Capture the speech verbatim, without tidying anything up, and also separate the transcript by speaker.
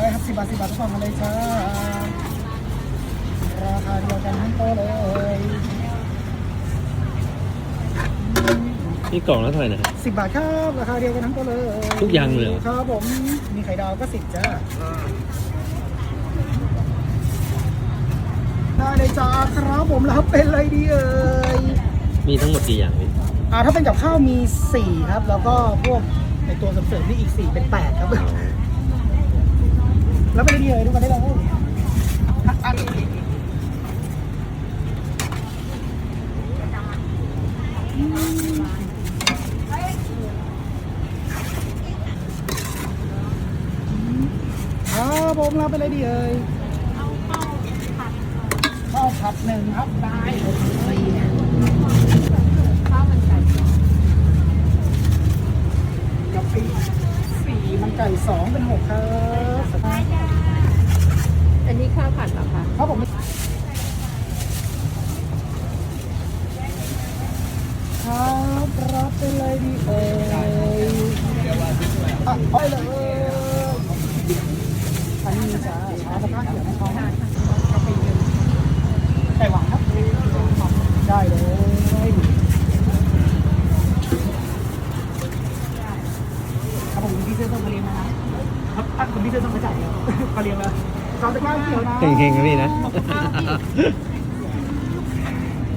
Speaker 1: ได้ครับสิบบาทสิบบาททุกกล่องมาเลยจ้าราคาเดียวกันทั้งโต๊ะเลย
Speaker 2: นี่กล่องละเท่าไหร่นะ
Speaker 1: สิบบาทครับราคาเดียวกันทั้งโต๊ะเลย
Speaker 2: ทุกอย่างเลยเหรอ
Speaker 1: ครับผมมีไข่ดาวก็สิบจ้าได้เลยจ้าครับผมรับเป็นอะไรดีเอ่ย
Speaker 2: มีทั้งหมดกี่อย่างพี่
Speaker 1: อ่าถ้าเป็นกับข้าวมีสี่ครับแล้วก็พวกในตัวเสริมๆนี่อีกสี่เป็นแปดครับแล้วเป็นอะไรดีเอ่ยดูกันได้เลยอันนี้ครับผมรับไปเลยดีเอ่ยข้าวผัดหนึ่งครับได้เลยข้าวมันไก่กับปีสี่มันไก่สองเป็นหกครับ
Speaker 3: อันนี้ข้าวผัดเหรอคะ
Speaker 1: ครับผมครับรับไปเลยดีเอ่ยอ่ะไปเลยอันนี้จะชาสะพานเขียวของเขากาแฟไก่หวานครับได้เลยครับผมพี่เสื้อต้องมาเรียนนะครับถ้าคุณพี่เสื้อต้องมาจ่ายเดี๋ยวมาเรียนแล้วชาสะพานเขียวนะ
Speaker 2: เฮงๆนะพี่นะ